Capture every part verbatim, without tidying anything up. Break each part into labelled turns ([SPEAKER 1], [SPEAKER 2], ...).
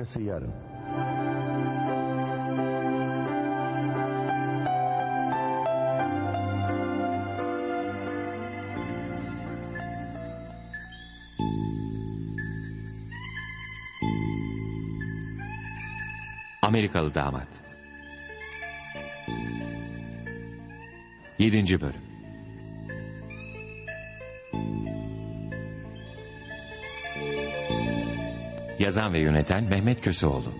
[SPEAKER 1] Arkası yarın.
[SPEAKER 2] Amerikalı Damat. Yedinci bölüm. Yazan ve yöneten Mehmet Köseoğlu.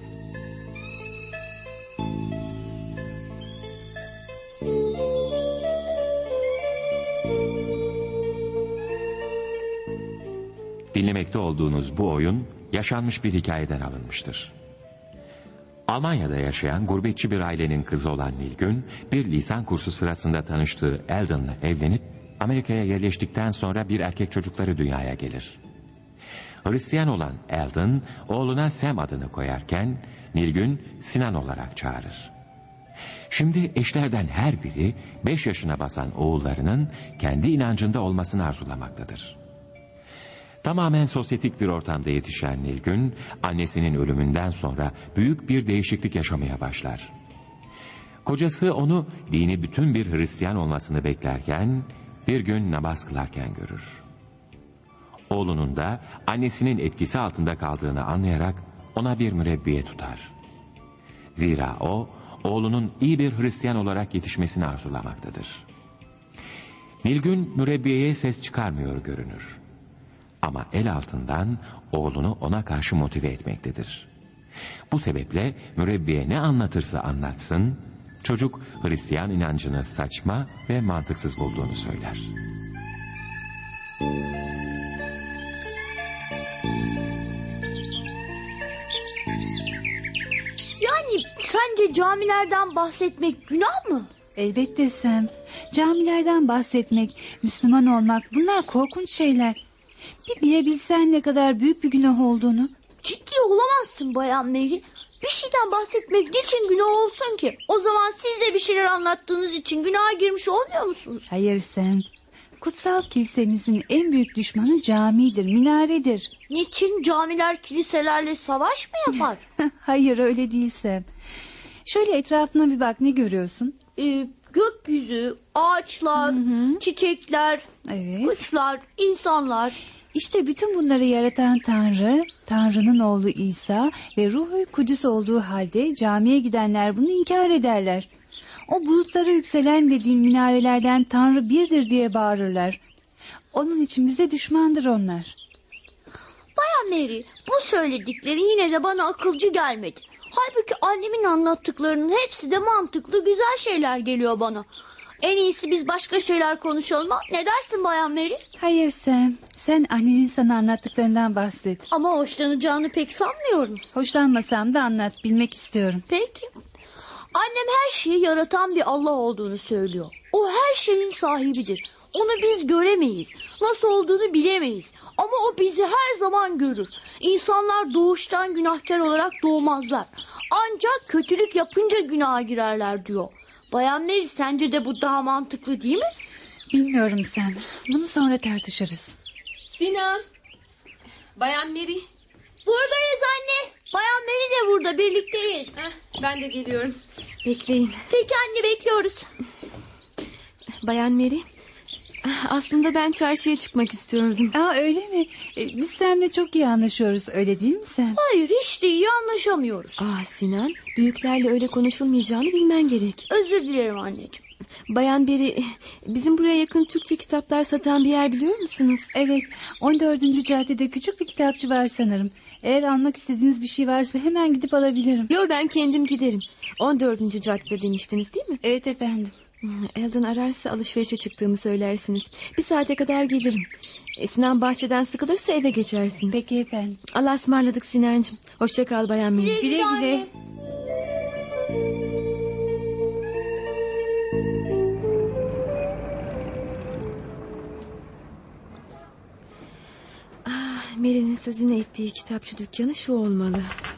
[SPEAKER 2] Dinlemekte olduğunuz bu oyun yaşanmış bir hikayeden alınmıştır. Almanya'da yaşayan gurbetçi bir ailenin kızı olan Nilgün, bir lisan kursu sırasında tanıştığı Eldon'la evlenip Amerika'ya yerleştikten sonra bir erkek çocukları dünyaya gelir. Hristiyan olan Eldon, oğluna Sam adını koyarken Nilgün Sinan olarak çağırır. Şimdi eşlerden her biri beş yaşına basan oğullarının kendi inancında olmasını arzulamaktadır. Tamamen sosyetik bir ortamda yetişen Nilgün, annesinin ölümünden sonra büyük bir değişiklik yaşamaya başlar. Kocası onu dini bütün bir Hristiyan olmasını beklerken, bir gün namaz kılarken görür. Oğlunun da annesinin etkisi altında kaldığını anlayarak ona bir mürebbiye tutar. Zira o, oğlunun iyi bir Hristiyan olarak yetişmesini arzulamaktadır. Nilgün mürebbiyeye ses çıkarmıyor görünür. Ama el altından oğlunu ona karşı motive etmektedir. Bu sebeple mürebbiye ne anlatırsa anlatsın, çocuk Hristiyan inancını saçma ve mantıksız bulduğunu söyler.
[SPEAKER 3] Yani sence camilerden bahsetmek günah mı?
[SPEAKER 4] Elbette Sam. Camilerden bahsetmek, Müslüman olmak, bunlar korkunç şeyler. Bir bilebilsen ne kadar büyük bir günah olduğunu.
[SPEAKER 3] Ciddi olamazsın Bayan Mary. Bir şeyden bahsetmek niçin günah olsun ki? O zaman siz de bir şeyler anlattığınız için günaha girmiş olmuyor musunuz?
[SPEAKER 4] Hayır Sam. Kutsal kilisemizin en büyük düşmanı camidir, minaredir.
[SPEAKER 3] Niçin camiler kiliselerle savaş mı yapar?
[SPEAKER 4] Hayır öyle değil Sam. Şöyle etrafına bir bak, ne görüyorsun?
[SPEAKER 3] Ee, gökyüzü, ağaçlar, hı hı. çiçekler,
[SPEAKER 4] evet.
[SPEAKER 3] kuşlar, insanlar.
[SPEAKER 4] İşte bütün bunları yaratan Tanrı, Tanrı'nın oğlu İsa ve Ruh-u Kudüs olduğu halde camiye gidenler bunu inkar ederler. O bulutlara yükselen dediğin minarelerden Tanrı birdir diye bağırırlar. Onun için bize düşmandır onlar.
[SPEAKER 3] Bayan Mary, bu söyledikleri yine de bana akılcı gelmedi. Halbuki annemin anlattıklarının hepsi de mantıklı, güzel şeyler geliyor bana. En iyisi biz başka şeyler konuşalım. Ne dersin Bayan Mary?
[SPEAKER 4] Hayır Sam. Sen annenin sana anlattıklarından bahset.
[SPEAKER 3] Ama hoşlanacağını pek sanmıyorum.
[SPEAKER 4] Hoşlanmasam da anlat, bilmek istiyorum.
[SPEAKER 3] Peki. Annem her şeyi yaratan bir Allah olduğunu söylüyor. O her şeyin sahibidir. Onu biz göremeyiz. Nasıl olduğunu bilemeyiz. Ama o bizi her zaman görür. İnsanlar doğuştan günahkar olarak doğmazlar. Ancak kötülük yapınca günaha girerler diyor. Bayan Mary, sence de bu daha mantıklı değil mi?
[SPEAKER 4] Bilmiyorum sen. Bunu sonra tartışırız.
[SPEAKER 5] Sinan. Bayan Mary.
[SPEAKER 3] Buradayız anne. Bayan Mary de burada, birlikteyiz.
[SPEAKER 5] Heh, ben de geliyorum. Bekleyin.
[SPEAKER 3] Peki anne, bekliyoruz.
[SPEAKER 5] Bayan Mary. Aslında ben çarşıya çıkmak istiyordum.
[SPEAKER 4] Aa, öyle mi? Ee, biz seninle çok iyi anlaşıyoruz, öyle değil mi sen?
[SPEAKER 3] Hayır, hiç de iyi anlaşamıyoruz.
[SPEAKER 5] Aa Sinan, büyüklerle öyle konuşulmayacağını bilmen gerek.
[SPEAKER 3] Özür dilerim anneciğim.
[SPEAKER 5] Bayan Mary, bizim buraya yakın Türkçe kitaplar satan bir yer biliyor musunuz?
[SPEAKER 4] Evet, on dördüncü caddede küçük bir kitapçı var sanırım. Eğer almak istediğiniz bir şey varsa hemen gidip alabilirim.
[SPEAKER 5] Yok, ben kendim giderim. on dördüncü caddede demiştiniz değil mi?
[SPEAKER 4] Evet efendim.
[SPEAKER 5] Eldon ararsa alışverişe çıktığımı söylersiniz. Bir saate kadar gelirim. E, Sinan bahçeden sıkılırsa eve geçersiniz.
[SPEAKER 4] Peki efendim.
[SPEAKER 5] Allah'a ısmarladık Sinancığım. Hoşça kal Bayan Mary.
[SPEAKER 3] Güle güle. güle.
[SPEAKER 5] Ah, Mary'nin sözünü ettiği kitapçı dükkanı şu olmalı.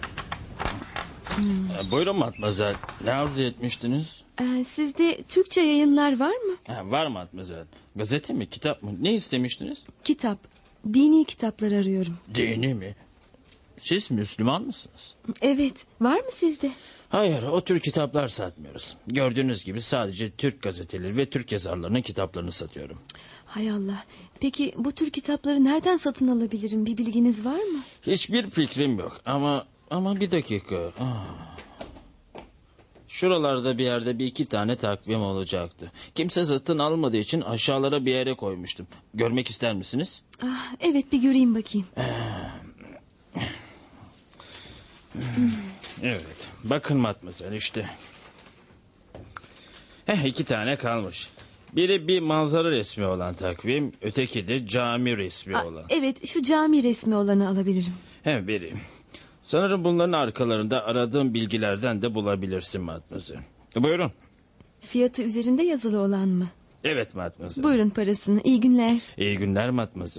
[SPEAKER 6] Hmm. Buyurun Matmazel. Ne arzu etmiştiniz?
[SPEAKER 5] Ee, sizde Türkçe yayınlar var mı?
[SPEAKER 6] Ha, var Matmazel. Gazete mi, kitap mı? Ne istemiştiniz?
[SPEAKER 5] Kitap. Dini kitaplar arıyorum.
[SPEAKER 6] Dini mi? siz Müslüman mısınız?
[SPEAKER 5] Evet, var mı sizde?
[SPEAKER 6] Hayır, o tür kitaplar satmıyoruz. Gördüğünüz gibi sadece Türk gazeteleri ve Türk yazarlarının kitaplarını satıyorum.
[SPEAKER 5] Hay Allah. Peki bu tür kitapları nereden satın alabilirim? Bir bilginiz var mı?
[SPEAKER 6] Hiçbir fikrim yok ama ama bir dakika. Ah. Şuralarda bir yerde bir iki tane takvim olacaktı. Kimse satın almadığı için aşağılara bir yere koymuştum. Görmek ister misiniz?
[SPEAKER 5] Ah, evet, bir göreyim bakayım.
[SPEAKER 6] Evet. Bakın Matmazel işte. Heh, iki tane kalmış. Biri bir manzara resmi olan takvim, öteki de cami resmi
[SPEAKER 5] Ah,
[SPEAKER 6] olan.
[SPEAKER 5] evet, şu cami resmi olanı alabilirim.
[SPEAKER 6] He, biri. Sanırım bunların arkalarında aradığım bilgilerden de bulabilirsin Matmazel. Buyurun.
[SPEAKER 5] Fiyatı üzerinde yazılı olan mı?
[SPEAKER 6] Evet Matmazel.
[SPEAKER 5] Buyurun parasını. İyi günler.
[SPEAKER 6] İyi günler Matmazel.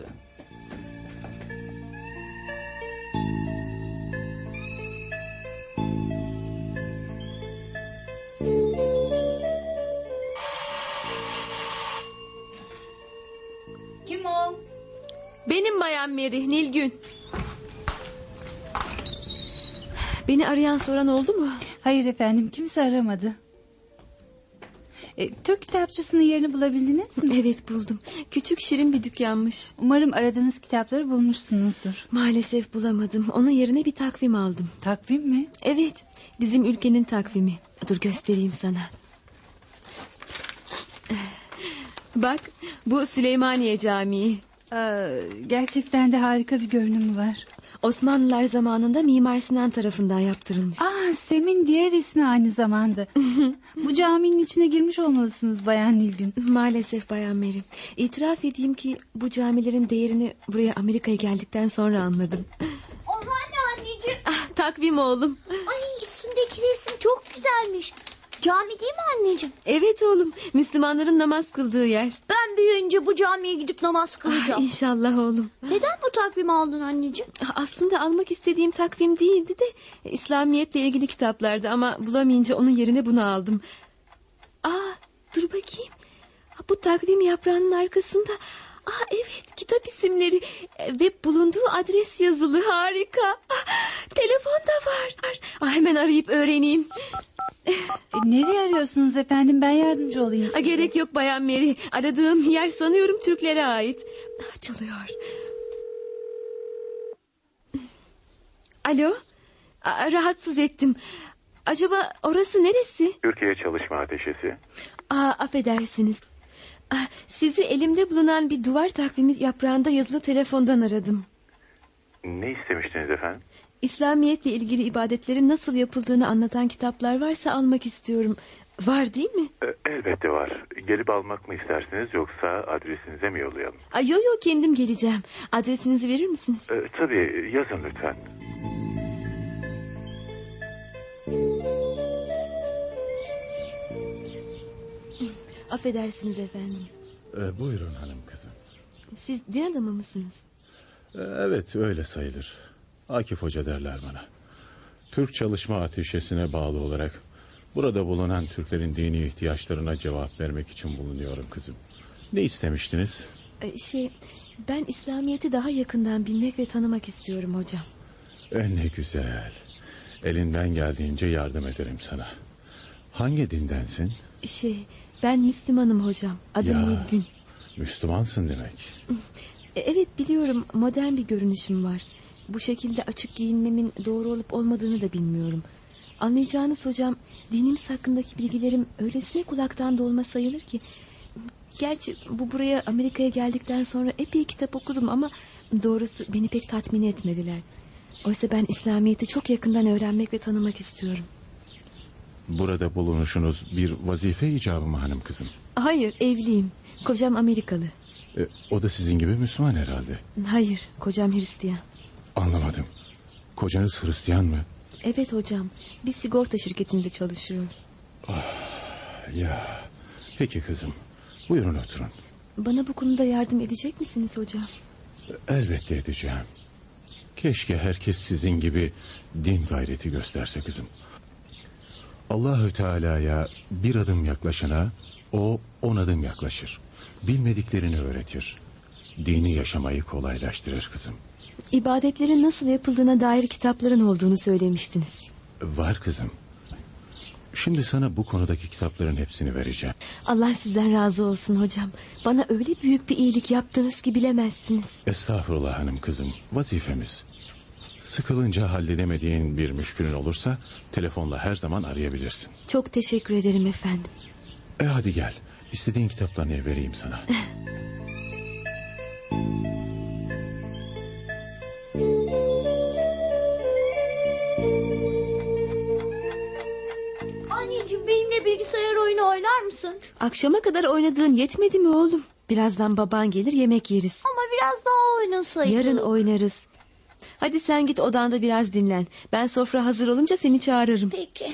[SPEAKER 3] Kim o?
[SPEAKER 5] Benim Bayan Mary, Nilgün. Beni arayan soran oldu mu?
[SPEAKER 4] Hayır efendim, kimse aramadı. E, Türk kitapçısının yerini bulabildiniz mi?
[SPEAKER 5] Evet, buldum. Küçük şirin bir dükkanmış.
[SPEAKER 4] Umarım aradığınız kitapları bulmuşsunuzdur.
[SPEAKER 5] Maalesef bulamadım. Onun yerine bir takvim aldım.
[SPEAKER 4] Takvim mi?
[SPEAKER 5] Evet, bizim ülkenin takvimi. Dur göstereyim sana. Bak, bu Süleymaniye Camii.
[SPEAKER 4] Aa, gerçekten de harika bir görünümü var.
[SPEAKER 5] Osmanlılar zamanında Mimar Sinan tarafından yaptırılmış.
[SPEAKER 4] Aa, Sem'in diğer ismi aynı zamanda. Bu caminin içine girmiş olmalısınız Bayan Nilgün.
[SPEAKER 5] Maalesef Bayan Mary. İtiraf edeyim ki bu camilerin değerini buraya Amerika'ya geldikten sonra anladım.
[SPEAKER 3] Onlar ne anneciğim?
[SPEAKER 5] Ah, takvim oğlum.
[SPEAKER 3] Ay, üstündeki resim çok güzelmiş. Cami değil mi anneciğim?
[SPEAKER 5] Evet oğlum, Müslümanların namaz kıldığı yer.
[SPEAKER 3] Ben büyüyünce bu camiye gidip namaz
[SPEAKER 5] Ah,
[SPEAKER 3] kılacağım.
[SPEAKER 5] İnşallah oğlum.
[SPEAKER 3] Neden bu takvimi aldın anneciğim?
[SPEAKER 5] Ah, Aslında almak istediğim takvim değildi de İslamiyetle ilgili kitaplardı ama bulamayınca onun yerine bunu aldım. Aa, dur bakayım. Ah, bu takvim yaprağının arkasında. Aa, evet, kitap isimleri ve bulunduğu adres yazılı. Harika. Ah, telefon da var. Ah, hemen arayıp öğreneyim.
[SPEAKER 4] E, nereye arıyorsunuz efendim, ben yardımcı olayım
[SPEAKER 5] Ah,
[SPEAKER 4] size.
[SPEAKER 5] gerek yok Bayan Mary. Aradığım yer sanıyorum Türklere ait. Ah, çalıyor. Alo. Aa, rahatsız ettim. Acaba orası neresi?
[SPEAKER 1] Türkiye Çalışma Ateşesi.
[SPEAKER 5] Aa, affedersiniz. Ah, sizi elimde bulunan bir duvar takvimi yaprağında yazılı telefondan aradım.
[SPEAKER 1] Ne istemiştiniz efendim?
[SPEAKER 5] İslamiyetle ilgili ibadetlerin nasıl yapıldığını anlatan kitaplar varsa almak istiyorum. Var değil mi?
[SPEAKER 1] E, elbette var. Gelip almak mı istersiniz yoksa adresinize mi yollayalım?
[SPEAKER 5] Ay, yo yo, kendim geleceğim. Adresinizi verir misiniz?
[SPEAKER 1] E, tabii yazın lütfen.
[SPEAKER 5] Affedersiniz efendim.
[SPEAKER 7] Ee, buyurun hanım kızım.
[SPEAKER 5] Siz din adamı mısınız?
[SPEAKER 7] Ee, evet öyle sayılır. Akif Hoca derler bana. Türk Çalışma Ateşesi'ne bağlı olarak burada bulunan Türklerin dini ihtiyaçlarına cevap vermek için bulunuyorum kızım. Ne istemiştiniz?
[SPEAKER 5] Ee, Şey, ben İslamiyet'i daha yakından bilmek ve tanımak istiyorum hocam.
[SPEAKER 7] E, ne güzel. Elinden geldiğince yardım ederim sana. Hangi dindensin?
[SPEAKER 5] Şey, ben Müslümanım hocam. Adım
[SPEAKER 7] Ya.
[SPEAKER 5] Nilgün.
[SPEAKER 7] Müslümansın demek.
[SPEAKER 5] E, Evet, biliyorum, modern bir görünüşüm var. Bu şekilde açık giyinmemin doğru olup olmadığını da bilmiyorum. Anlayacağınız hocam, dinimiz hakkındaki bilgilerim öylesine kulaktan dolma sayılır ki... Gerçi bu buraya Amerika'ya geldikten sonra epey kitap okudum ama... doğrusu beni pek tatmin etmediler. Oysa ben İslamiyet'i çok yakından öğrenmek ve tanımak istiyorum.
[SPEAKER 7] Burada bulunuşunuz bir vazife icabı mı hanım kızım?
[SPEAKER 5] Hayır, evliyim. Kocam Amerikalı.
[SPEAKER 7] E, o da sizin gibi Müslüman herhalde.
[SPEAKER 5] Hayır, kocam Hristiyan.
[SPEAKER 7] Anlamadım. Kocanız Hristiyan mı?
[SPEAKER 5] Evet hocam, bir sigorta şirketinde çalışıyor.
[SPEAKER 7] Ya, peki kızım. Buyurun oturun.
[SPEAKER 5] Bana bu konuda yardım edecek misiniz hocam?
[SPEAKER 7] Elbette edeceğim. Keşke herkes sizin gibi din gayreti gösterse kızım. Allahü Teala'ya bir adım yaklaşana o on adım yaklaşır. Bilmediklerini öğretir. Dini yaşamayı kolaylaştırır kızım.
[SPEAKER 5] İbadetlerin nasıl yapıldığına dair kitapların olduğunu söylemiştiniz.
[SPEAKER 7] Var kızım. Şimdi sana bu konudaki kitapların hepsini vereceğim.
[SPEAKER 5] Allah sizden razı olsun hocam. Bana öyle büyük bir iyilik yaptınız ki bilemezsiniz.
[SPEAKER 7] Estağfurullah hanım kızım. Vazifemiz. Sıkılınca halledemediğin bir müşkülün olursa telefonla her zaman arayabilirsin.
[SPEAKER 5] Çok teşekkür ederim efendim.
[SPEAKER 7] E hadi gel. İstediğin kitaplarını vereyim sana.
[SPEAKER 3] Anneciğim, benimle bilgisayar oyunu oynar mısın?
[SPEAKER 5] Akşama kadar oynadığın yetmedi mi oğlum? Birazdan baban gelir, yemek yeriz.
[SPEAKER 3] Ama biraz daha oynasaydık.
[SPEAKER 5] Yarın oynarız. Hadi sen git odanda biraz dinlen. Ben sofra hazır olunca seni çağırırım.
[SPEAKER 3] Peki.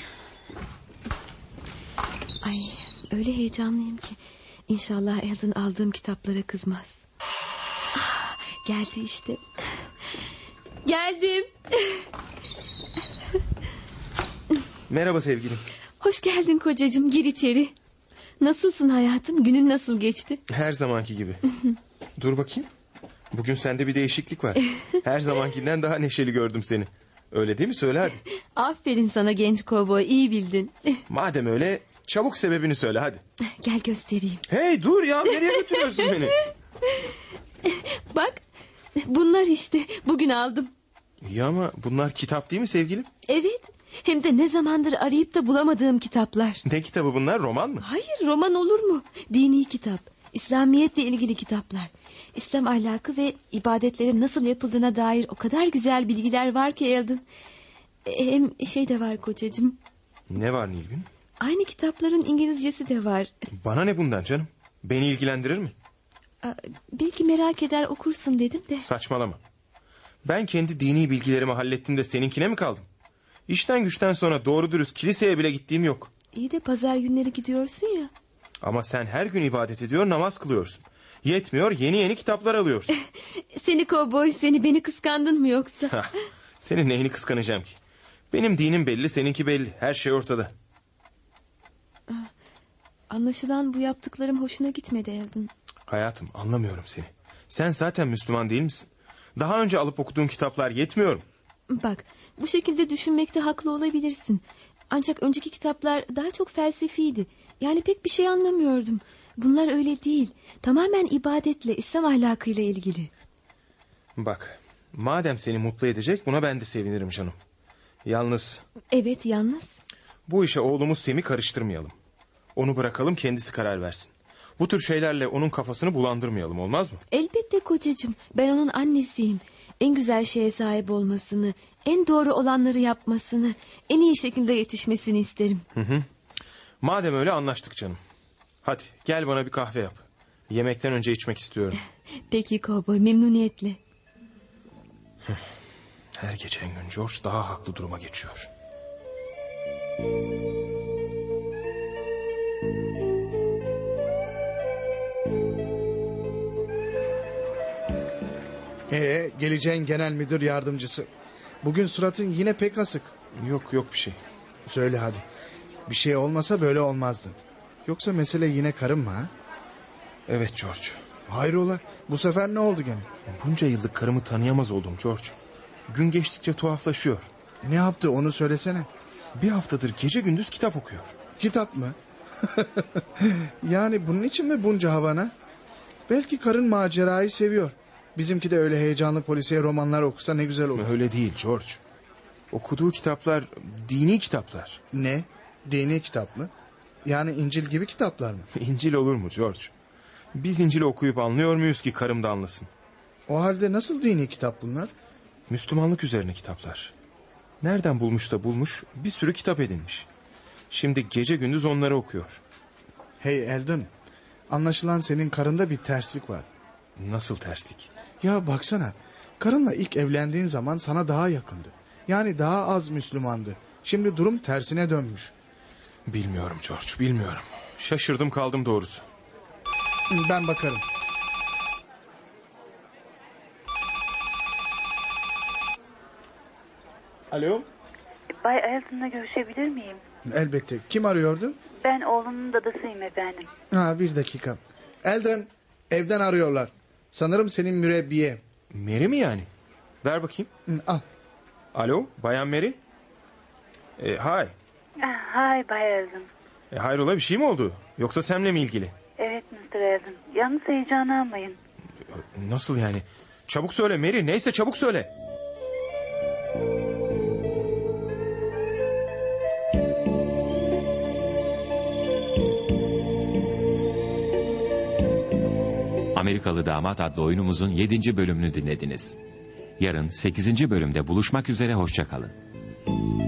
[SPEAKER 5] Ay, öyle heyecanlıyım ki. İnşallah Alan aldığım kitaplara kızmaz. Ah, geldi işte. Geldim.
[SPEAKER 8] Merhaba sevgilim.
[SPEAKER 5] Hoş geldin kocacığım, gir içeri. Nasılsın hayatım? Günün nasıl geçti?
[SPEAKER 8] Her zamanki gibi. Dur bakayım. Bugün sende bir değişiklik var. Her zamankinden daha neşeli gördüm seni. Öyle değil mi? Söyle hadi.
[SPEAKER 5] Aferin sana genç kovboy, iyi bildin.
[SPEAKER 8] Madem öyle çabuk sebebini söyle hadi.
[SPEAKER 5] Gel göstereyim.
[SPEAKER 8] Hey dur ya, nereye götürüyorsun beni?
[SPEAKER 5] Bak, bunlar işte, bugün aldım.
[SPEAKER 8] İyi ama bunlar kitap değil mi sevgilim?
[SPEAKER 5] Evet, hem de ne zamandır arayıp da bulamadığım kitaplar.
[SPEAKER 8] Ne kitabı bunlar, roman mı?
[SPEAKER 5] Hayır, roman olur mu? Dini kitap. İslamiyetle ilgili kitaplar. İslam ahlakı ve ibadetlerin nasıl yapıldığına dair o kadar güzel bilgiler var ki Alan. Hem şey de var kocacığım.
[SPEAKER 8] Ne var Nilgün?
[SPEAKER 5] Aynı kitapların İngilizcesi de var.
[SPEAKER 8] Bana ne bundan canım? Beni ilgilendirir mi?
[SPEAKER 5] Belki merak eder okursun dedim de.
[SPEAKER 8] Saçmalama. Ben kendi dini bilgilerimi hallettim de seninkine mi kaldım? İşten güçten sonra doğru dürüst kiliseye bile gittiğim yok.
[SPEAKER 5] İyi de pazar günleri gidiyorsun ya.
[SPEAKER 8] Ama sen her gün ibadet ediyor, namaz kılıyorsun. Yetmiyor, yeni yeni kitaplar alıyorsun.
[SPEAKER 5] Seni kovboy, seni, beni kıskandın mı yoksa?
[SPEAKER 8] Senin neyini kıskanacağım ki? Benim dinim belli, seninki belli. Her şey ortada.
[SPEAKER 5] Anlaşılan bu yaptıklarım hoşuna gitmedi Alan.
[SPEAKER 8] Hayatım, anlamıyorum seni. Sen zaten Müslüman değil misin? Daha önce alıp okuduğun kitaplar yetmiyor mu?
[SPEAKER 5] Bak, bu şekilde düşünmekte haklı olabilirsin. Ancak önceki kitaplar daha çok felsefiydi. Yani pek bir şey anlamıyordum. Bunlar öyle değil. Tamamen ibadetle, İslam ahlakıyla ilgili.
[SPEAKER 8] Bak, madem seni mutlu edecek, buna ben de sevinirim canım. Yalnız...
[SPEAKER 5] Evet, yalnız.
[SPEAKER 8] Bu işe oğlumuz Sem'i karıştırmayalım. Onu bırakalım, kendisi karar versin. Bu tür şeylerle onun kafasını bulandırmayalım, olmaz mı?
[SPEAKER 5] Elbette kocacığım. Ben onun annesiyim. En güzel şeye sahip olmasını, en doğru olanları yapmasını, en iyi şekilde yetişmesini isterim.
[SPEAKER 8] Hı hı. Madem öyle anlaştık canım. Hadi gel bana bir kahve yap. Yemekten önce içmek istiyorum.
[SPEAKER 5] Peki kovboy, memnuniyetle.
[SPEAKER 8] Her geçen gün George daha haklı duruma geçiyor.
[SPEAKER 9] Ee, geleceğin genel müdür yardımcısı. Bugün suratın yine pek asık.
[SPEAKER 8] Yok yok bir şey.
[SPEAKER 9] Söyle hadi. Bir şey olmasa böyle olmazdın. Yoksa mesele yine karın mı ha?
[SPEAKER 8] Evet George.
[SPEAKER 9] Hayrola, bu sefer ne oldu gene?
[SPEAKER 8] Bunca yıllık karımı tanıyamaz oldum George. Gün geçtikçe tuhaflaşıyor.
[SPEAKER 9] Ne yaptı onu söylesene.
[SPEAKER 8] Bir haftadır gece gündüz kitap okuyor.
[SPEAKER 9] Kitap mı? Yani bunun için mi bunca havana? Belki karın macerayı seviyor. Bizimki de öyle heyecanlı polisiye romanlar okusa ne güzel olur.
[SPEAKER 8] Öyle değil George. Okuduğu kitaplar dini kitaplar.
[SPEAKER 9] Ne? Dini kitap mı? Yani İncil gibi kitaplar mı?
[SPEAKER 8] İncil olur mu George? Biz İncil'i okuyup anlıyor muyuz ki karım da anlasın?
[SPEAKER 9] O halde nasıl dini kitap bunlar?
[SPEAKER 8] Müslümanlık üzerine kitaplar. Nereden bulmuş da bulmuş, bir sürü kitap edinmiş. Şimdi gece gündüz onları okuyor.
[SPEAKER 9] Hey Eldon, anlaşılan senin karında bir terslik var.
[SPEAKER 8] Nasıl terslik?
[SPEAKER 9] Ya baksana, karınla ilk evlendiğin zaman sana daha yakındı. Yani daha az Müslümandı. Şimdi durum tersine dönmüş.
[SPEAKER 8] Bilmiyorum George, bilmiyorum. Şaşırdım kaldım doğrusu.
[SPEAKER 9] Ben bakarım. Alo?
[SPEAKER 10] Bay Eldon'la görüşebilir miyim?
[SPEAKER 9] Elbette. Kim arıyordu?
[SPEAKER 10] Ben oğlunun dadısıyım efendim.
[SPEAKER 9] Ha, bir dakika. Eldon, evden arıyorlar. Sanırım senin mürebbiye.
[SPEAKER 8] Mary mi yani? Ver bakayım.
[SPEAKER 9] Hı, al.
[SPEAKER 8] Alo, Bayan Mary? E, hay.
[SPEAKER 10] Hay Bay Elton.
[SPEAKER 8] E, hayrola bir şey mi oldu? Yoksa Sam'le mi ilgili?
[SPEAKER 10] Evet mister Elton. Yalnız heyecanı almayın.
[SPEAKER 8] Nasıl yani? Çabuk söyle Mary. Neyse çabuk söyle.
[SPEAKER 2] Amerikalı Damat adlı oyunumuzun yedinci bölümünü dinlediniz. Yarın sekizinci bölümde buluşmak üzere, hoşça kalın.